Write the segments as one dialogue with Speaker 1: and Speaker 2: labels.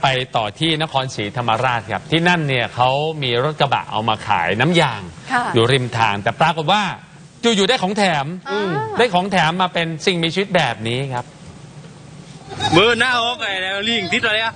Speaker 1: ไปต่อที่นครศรีธรรมราชครับที่นั่นเนี่ยเขามีรถกระบะเอามาขายน้ำยางอยู่ริมทางแต่ปรากฏว่าอยู่ๆได้ของแถมได้ของแถมมาเป็นสิ่งมีชีวิตแบบนี้ครับ
Speaker 2: เบอร์หน้าออกไงแล้วลิงติดอะไรอ่ะ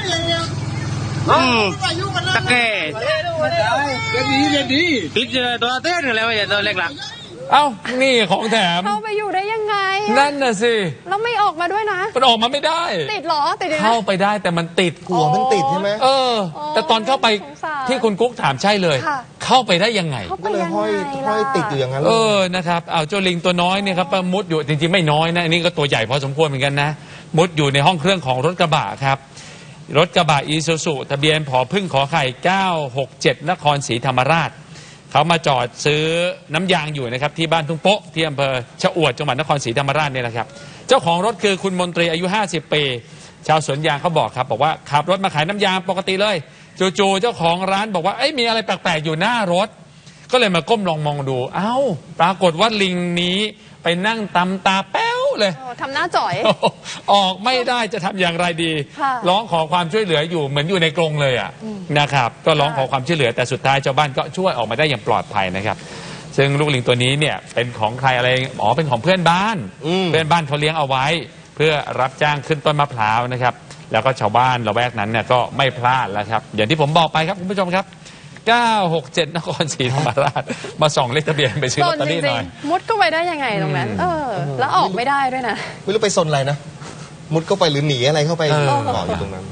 Speaker 2: ตะแก่ดีติดตัวเต้นแล้วอย่าตัวเล็กหลัก
Speaker 1: เอ้านี่ของแถม
Speaker 3: เข้าไปอยู่ได้ยังไง
Speaker 1: นั่นน่ะสิ
Speaker 3: แล้วไม่ออกมาด้วยนะ
Speaker 1: มันออกมาไม่ได้
Speaker 3: ติดหรอติด
Speaker 1: เข้าไปได้แต่มันติด
Speaker 4: กลัวมันติดใช่ไหม
Speaker 1: แต่ตอนเข้าไปที่คุณกุ๊กถามใช่เลยเข้าไปได้ยังไง
Speaker 4: ก็เลยห้อยติดอยู่อย่างนั้น
Speaker 1: นะครับเอาเจ้าลิงตัวน้อยเนี่ยครับมุดอยู่จริงๆไม่น้อยนะอันนี้ก็ตัวใหญ่พอสมควรเหมือนกันนะมุดอยู่ในห้องเครื่องของรถกระบะครับรถกระบะอีซูซุทะเบียนผอพึ่งขอไข่967นครศรีธรรมราชเขามาจอดซื้อน้ำยางอยู่นะครับที่บ้านทุ่งโป๊ะที่อำเภอชะอวดจังหวัดนครศรีธรรมราชเนี่ยนะครับเจ้าของรถคือคุณมนตรีอายุ50ปีชาวสวนยางเขาบอกครับบอกว่าขับรถมาขายน้ำยางปกติเลยจู่ๆเจ้าของร้านบอกว่ามีอะไรแปลกๆอยู่หน้ารถก็เลยมาก้มลองมองดูเอ้าปรากฏว่าลิงนี้ไปนั่งตำตาแป้วเลย
Speaker 3: ทำหน้าจ่อย
Speaker 1: ออกไม่ได้จะทำอย่างไรดีร้องขอความช่วยเหลืออยู่เหมือนอยู่ในกรงเลยนะครับก็ร้องขอความช่วยเหลือแต่สุดท้ายชาวบ้านก็ช่วยออกมาได้อย่างปลอดภัยนะครับซึ่งลูกลิงตัวนี้เนี่ยเป็นของใครอะไรเป็นของเพื่อนบ้านเขาเลี้ยงเอาไว้เพื่อรับจ้างขึ้นต้นมะพร้าวนะครับแล้วก็ชาวบ้านละแวกนั้นเนี่ยก็ไม่พลาดแล้วครับอย่างที่ผมบอกไปครับคุณผู้ชมครับ967นครศรีธรรมราชมาส่องเลขทะเบียนไปซื้อลอตเตอรี่หน่อย
Speaker 3: มุดก็ไปได้ยังไงตรงนั้นแล้วออกไม่ได้ด้วยนะ
Speaker 4: ไม่รู้ไปซนอะไรนะมุดเข้าไปหรือหนีอะไรเข้าไปเกาะอยู่ตรงนั้น